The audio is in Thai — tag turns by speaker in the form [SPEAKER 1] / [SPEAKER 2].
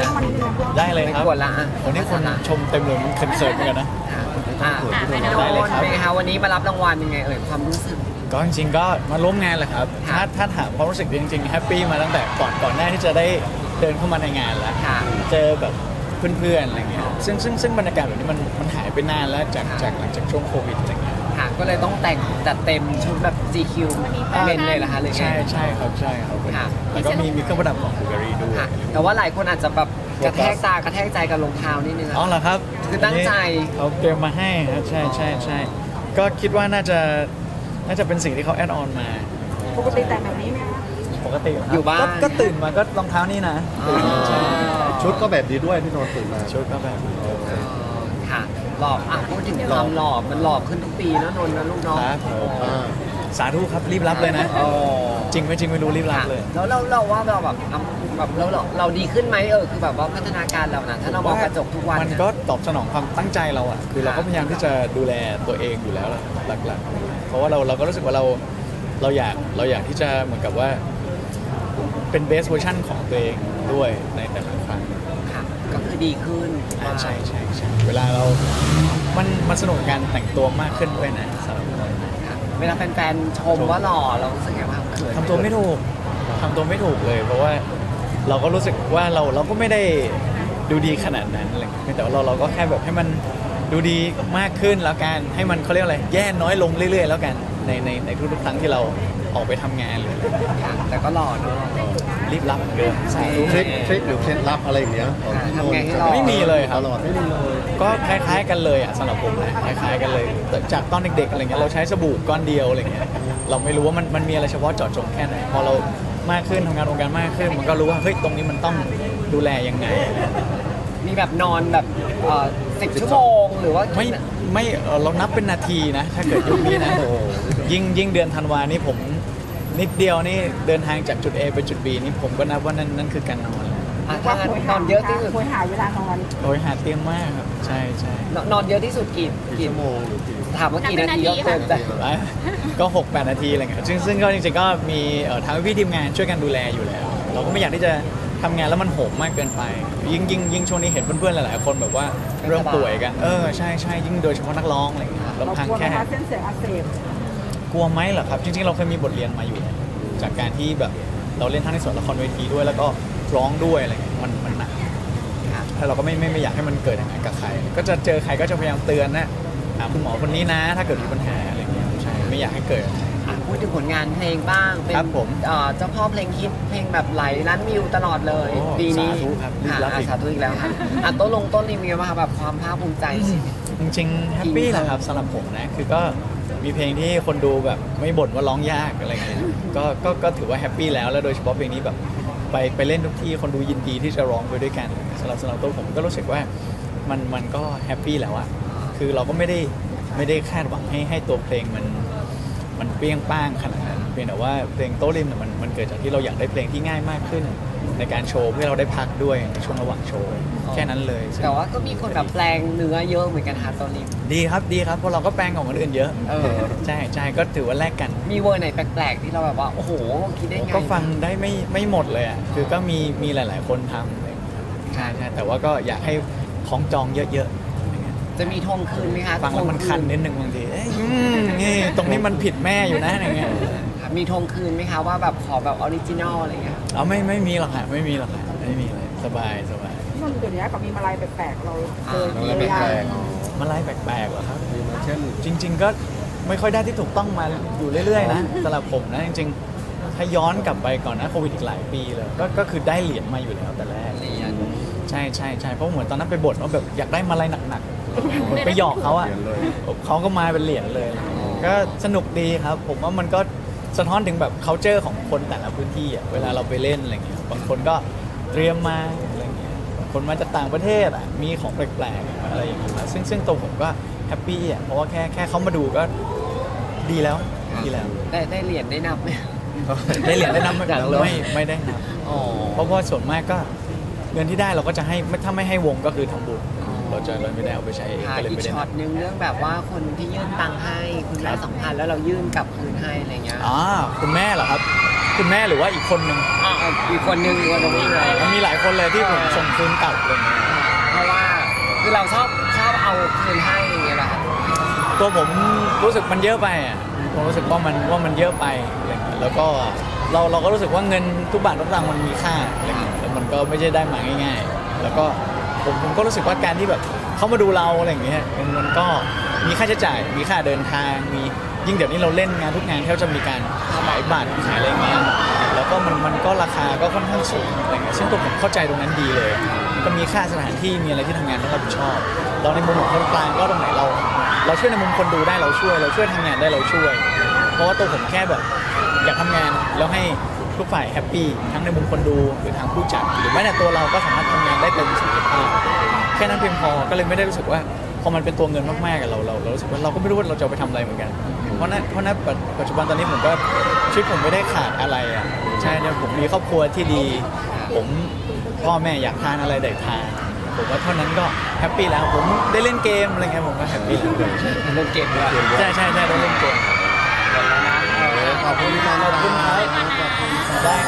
[SPEAKER 1] ได้เลย
[SPEAKER 2] ไม่
[SPEAKER 1] ครับ
[SPEAKER 2] กวนละอ่ะ
[SPEAKER 1] วันนี้คนชมเต็มเลยเขินๆเหมือนกันนะ
[SPEAKER 2] ได้เลย
[SPEAKER 1] ครับ
[SPEAKER 2] เป็นไงคะวันนี้มารับรางวัลยังไงความรู้สึก
[SPEAKER 1] ก็จริงๆก็มาร่วมงานแหละครับ
[SPEAKER 2] ค่ะ
[SPEAKER 1] ถ้าถามความรู้สึกจริงๆแฮปปี้มาตั้งแต่ก่อนหน้าที่จะได้เดินเข้ามาในงานแล้ว
[SPEAKER 2] ค่ะ
[SPEAKER 1] เจอแบบเพื่อนๆอะไรเงี้ยซึ่งบรรยากาศแบบนี้มันหายไปนานแล้วจากหลังจากช่วงโควิดอะไรเงี้ย
[SPEAKER 2] ค่ะก็เลยต้องแต่งจัดเต็มชุดแบบ GQ เมนเลยเหรอคะหรือไง
[SPEAKER 1] ใช่ครับ
[SPEAKER 2] ค่ะ
[SPEAKER 1] แล้วก็มีเครื่องประดับของบูการีด้วย
[SPEAKER 2] ค่ะแต่ว่าหลายคนอาจจะแบบกระแทกตากระแทกใจกับรองเท้านิดนึงอะ
[SPEAKER 1] อ๋อเหรอครับ
[SPEAKER 2] คือตั้งใจ
[SPEAKER 1] เขาเตรียมมาให้ครับใช่ก็คิดว่าน่าจะเป็นสิ่งที่เขาแอดออนมา
[SPEAKER 3] ปกติแต่งแบบนี้ไหมคะ
[SPEAKER 1] ปกติเหรครับ
[SPEAKER 2] อยู่บ้าน
[SPEAKER 1] ก็ตื่นมาก็รองเท้านี่นะ ใช่
[SPEAKER 4] ชุดก็แบบนี้ด้วยที่นอนตื่นมา
[SPEAKER 1] ชุดก็แบบ
[SPEAKER 2] ค่ะหล่อพูดถึงความหล่อมันหล่อขึ้นทุกปีนะนนท์นะลูกเน้อง
[SPEAKER 1] ครับสาธุครับรีบรับเลยนะ จริงไม่รู้รีบรับเลย
[SPEAKER 2] แล้วเราว่าเราแบบเราดีขึ้นไหมคือแบบว่าพัฒนาการเรานะถ้าเรามองกระจกทุกวัน
[SPEAKER 1] มันก็ตอบสนองความตั้งใจเราอ่ะคือเราก็พยายามที่จะดูแลตัวเองอยู่แล้วหลักๆเพราะว่าเราก็รู้สึกว่าเราอยากที่จะเหมือนกับว่าเป็นเบสเวอร์ชันของตัวเองด้วยในแต่ละครั้ง
[SPEAKER 2] ค่ะก็คือดีขึ้น
[SPEAKER 1] ใช่เวลามันสนุกกับการแต่งตัวมากขึ้นด้วยนะสำหรับเรา
[SPEAKER 2] ค่ะเวลาแฟนๆชมว่าหล่อเรารู้สึกไงบ้างเขิน
[SPEAKER 1] ทำตัวไม่ถูกเลย เพราะว่าเราก็รู้สึกว่าเราก็ไม่ได้ดูดีขนาดนั้นอะไรแต่ว่าเราก็แค่แบบให้มันดูดีมากขึ้นแล้วกันให้มันเขาเรียกอะไรแย่น้อยลงเรื่อยๆแล้วกันในทุกๆครั้งที่เราออกไปทำงานเลย
[SPEAKER 2] ค่ะแต่ก็หล่อเนอะ
[SPEAKER 1] รีบรับเหมือนเดิมสาธุ
[SPEAKER 4] ทริคหรือเคล็ดลับอะไรอย่างเงี้ยของพี่นน
[SPEAKER 2] ทำไง
[SPEAKER 4] ท์
[SPEAKER 2] ให้รอ
[SPEAKER 1] ไม่มีเลยครับ
[SPEAKER 4] ตลอดไม่มีเลย
[SPEAKER 1] ก็คล้ายๆกันเลยอ่ะสำหรับผมนะคล้ายๆกันเลยแต่จากตอนเด็กๆอะไรเงี้ยเราใช้สบู่ก้อนเดียวอะไรเงี้ยเราไม่รู้ว่ามันมีอะไรเฉพาะเจาะจงแค่ไหนพอเรามากขึ้นทำงานองค์การมากขึ้น มันก็รู้ว่าเฮ้ยตรงนี้มันต้องดูแลยังไง
[SPEAKER 2] มีแบบนอนแบบ10 ชั่วโมงหรือว่า
[SPEAKER 1] ไม่เรานับเป็นนาทีนะถ้าเกิดยุคนี้นะ
[SPEAKER 4] โอ้โห
[SPEAKER 1] ยิ่งเดือนธันวานี่ผมนิดเดียวนี่เดินทางจากจุด A ไปจุด B นี่ผมก็นับว่านั่นคือการนอน
[SPEAKER 2] ถ้างั้นนอนเยอะที่สุด
[SPEAKER 3] โวยหาเวลานอน
[SPEAKER 1] โอ้ยหาเตียงมากครับใช่
[SPEAKER 2] นอนเยอะที่สุดกี่
[SPEAKER 4] ชั่วโมงหรือกี่
[SPEAKER 2] ถามว่ากี่นาทีก็เกินใจ
[SPEAKER 1] ก็6-8 นาทีอะไรเงี้ยซึ่งก็จริงๆก็มีทางพี่ทีมงานช่วยกันดูแลอยู่แล้ว เราก็ไม่อยากที่จะทำงานแล้วมันโหมมากเกินไป ยิ่งช่วงนี้เห็นเพื่อนๆหลายๆคนแบบว่าเริ่มป่วยกันใช่ยิ่งโดยเฉพาะนักร้องอะไรเงี้ย
[SPEAKER 3] เรา
[SPEAKER 1] ลำพัง
[SPEAKER 3] กลัวไหม
[SPEAKER 1] แค่
[SPEAKER 3] คะเส้นเสียงอักเสบ
[SPEAKER 1] กลัวไหมเหรอครับจริงๆเราเคยมีบทเรียนมาอยู่ จากการที่แบบเราเล่นทั้งในส่วนละครเวทีด้วยแล้วก็ร้องด้วยอะไรเงี้ยมันหนักถ้าเราก็ไม่อยากให้มันเกิดอย่างนั้นกับใคร ก็จะเจอใครก็จะพยายามเตือนนะหาคุณหมอคนนี้นะ ถ้าเกิดมีปัญหาอะไรเงี้ยใช่ไม่อยากให้เกิด
[SPEAKER 2] พูดถึงผลงานเพลงบ้างเป็น
[SPEAKER 1] ครับผม
[SPEAKER 2] เจ้าพ่อเพลงฮิตเพลงแบบไหลล้านวิวตลอดเลย
[SPEAKER 1] โอ้
[SPEAKER 2] ปีนี้
[SPEAKER 1] สาธุครับรีบ
[SPEAKER 2] ค่ะ
[SPEAKER 1] รับอีก
[SPEAKER 2] สาธุอีกแล้วค่ะต้นรีวิวมาค่ะแบบความภาคภูมิใจชีวิต
[SPEAKER 1] จริงๆแฮปปี้แหละครับสำหรับผมนะคือก็มีเพลงที่คนดูแบบไม่บ่นว่าร้องยากอะไรเงี้ยก็ถือว่าแฮปปี้แล้วโดยเฉพาะเพลงนี้แบบไปเล่นทุกที่คนดูยินดีที่จะร้องไปด้วยกันสำหรับตัวผมก็รู้สึกว่ามันก็แฮปปี้แล้วอะคือเราก็ไม่ได้คาดหวังให้ตัวเพลงมันเปรี้ยงป้างขนาดนั้นเพียงแต่ว่าเพลงโต้ริมเนี่ยมันเกิดจากที่เราอยากได้เพลงที่ง่ายมากขึ้น ในการโชว์เพื่อเราได้พักด้วยในช่วงระหว่างโชว์แค่นั้นเลยซึ่ง
[SPEAKER 2] แต่ว่าก็มีคนแบบแปลงเนื้อเยอะเหมือนกันค่ะตอนนี้
[SPEAKER 1] ดีครับเพราะเราก็แปลงของคนอื่นเยอะใช่ก็ถือว่าแลกกัน
[SPEAKER 2] มีเวอร์ไหนแปลกๆที่เราแบบว่าโอ้โหคิดได้ไง
[SPEAKER 1] ก็ฟังได้ไม่หมดเลยอ่ะคือก็มีหลาย ๆ คนทำอะไรอย่างเงี้ยครับใช่แต่ว่าก็อยากให้ของจองเยอะๆอะไรเงี้ย
[SPEAKER 2] จะมีทวงคืนไหมคะ
[SPEAKER 1] ฟังแล้วมันคันนิดนึงบางทีเอ้ยนี่ตรงนี้มันผิดแม่อยู่นะอะไรเงี้ย
[SPEAKER 2] ค่ะมีทวงคืนไหมคะว่าแบบขอแบบออริจินอลอะไรเงี้ย
[SPEAKER 1] เอาไม่มีหรอกค่ะไม่มีเลยสบาย
[SPEAKER 3] นนท์เดี๋ยวนี้ก็มีมาลัยแปลกๆเราเจอ
[SPEAKER 4] น้อง
[SPEAKER 3] เย
[SPEAKER 4] แล้ว
[SPEAKER 3] อะ
[SPEAKER 4] แป
[SPEAKER 3] แยะ
[SPEAKER 4] ลก
[SPEAKER 1] มาไล่แปลกๆเหรอครับ
[SPEAKER 4] ๆมีมาเช่น
[SPEAKER 1] จริง ๆ ก็ไม่ค่อยได้ที่ถูกต้องมาอยู่เรื่อย ๆ นะสำหรับผมนะจริงๆถ้าย้อนกลับไปก่อนนะโควิดอีกหลายปีเลยก็คือได้เหรียญมาอยู่แล้วแต่แรก
[SPEAKER 2] เหรียญ
[SPEAKER 1] ใช่เพราะเหมือนตอนนั้นไปบ่นว่าแบบอยากได้มาลัยหนักๆเหมือนไปหยอกเขาอ่ะ
[SPEAKER 4] เหรียญเลย
[SPEAKER 1] เขาก็มาเป็นเหรียญเลย ก็สนุกดีครับ ผมว่ามันก็สะท้อนถึงแบบ culture ของคนแต่ละพื้นที่อ่ะเวลาเราไปเล่นอะไรเงี้ยบางคนก็เตรียมมาอะไรเงี้ยบางคนมาจากต่างประเทศอ่ะมีของแปลกๆอะไรอย่างเงี้ยมาซึ่งตัวผมก็แฮปปี้อ่ะเพราะว่าแค่เขามาดูก็ดีแล้ว
[SPEAKER 2] ได้เหรียญได้นับไหม
[SPEAKER 1] ได้เหรียญได้นับ
[SPEAKER 2] อยากรู้
[SPEAKER 1] ไม่ได้นับ
[SPEAKER 2] อ๋อ
[SPEAKER 1] เพราะว่าส่วนมากก็เงินที่ได้เราก็จะให้ถ้าไม่ให้วงก็คือทำบุญเราไม่ได้เอาไปใช้เอง
[SPEAKER 2] ค่ะ
[SPEAKER 1] ก็เลย
[SPEAKER 2] อีก
[SPEAKER 1] ไม่ได้
[SPEAKER 2] ช็อต
[SPEAKER 1] นับ
[SPEAKER 2] นึงเรื่องแบบว่าคนที่ยื่นตังค์ให้คุณแม่2,000แล้วเรายื่นกลับคืนให้อะไรเงี้ย
[SPEAKER 1] คุณแม่เหรอครับ คุณแม่หรือว่าอีกคนนึง
[SPEAKER 2] อีกคนนึงอีกคนนึงเลย
[SPEAKER 1] มันมีหลายคนเลยที่ผมส่งคืนกลับอะไรเงี้ย
[SPEAKER 2] เพราะว่าคือเราชอบเอาคืนให้อย่างเงี้ยแหละค่ะ
[SPEAKER 1] ตัวผมรู้สึกมันเยอะไปอ่ะผมรู้สึกว่ามันเยอะไปอะไรเงี้ยแล้วก็เราก็รู้สึกว่าเงินทุกบาททุกสตางค์มันมีค่าอะไรเงี้ยแล้วมันก็ไม่ใช่ได้มาง่าย ๆ แล้วก็ผมก็รู้สึกว่าการที่แบบเขามาดูเราอะไรอย่างเงี้ยมันก็มีค่าใช้จ่ายมีค่าเดินทางมียิ่งเดี๋ยวนี้เราเล่นงานทุกงานแทบจะมีการขายบัตรขายอะไรเงี้ยแล้วก็มันก็ราคาก็ค่อนข้างสูงอะไรเงี้ยซึ่งตัวผมเข้าใจตรงนั้นดีเลยก็มีค่าสถานที่มีอะไรที่ทำงานต้องรับผิดชอบเราในมุมของคนกลางก็ตรงไหนเราช่วยในมุมคนดูได้เราช่วยทำงานได้เราช่วย เพราะว่าตัวผมแค่แบบอยากทำงานแล้วให้ทุกฝ่ายแฮปปี้ทั้งในมุมคนดูหรือทางผู้จัดหรือแม้แต่ตัวเราก็สามารถทำงานได้เต็มศักยภาพแค่นั้นเพียงพอก็เลยไม่ได้รู้สึกว่าพอมันเป็นตัวเงินมากๆกับเรารู้สึกว่าเราก็ไม่รู้ว่าเราจะเอาไปทำอะไรเหมือนกันเพราะนั้นปัจจุบันตอนนี้ผมก็ชีวิตผมไม่ได้ขาดอะไรอ่ะใช่เนี่ยผมมีครอบครัวที่ดี ผมพ่อแม่อยากทานอะไรได้ทานผมว่าเท่านั้นก็แฮปปี้แล้วผมได้เล่นเกมอะไรเงี้ยผมก็แฮปปี้แล้ว
[SPEAKER 2] เล่นเก่งด้วย
[SPEAKER 1] ใช่ได้เล่นเกม
[SPEAKER 4] ขอบคุณพี่นนท์
[SPEAKER 1] ขอบคุณครับ
[SPEAKER 4] ขอบคุณครับ
[SPEAKER 1] ได้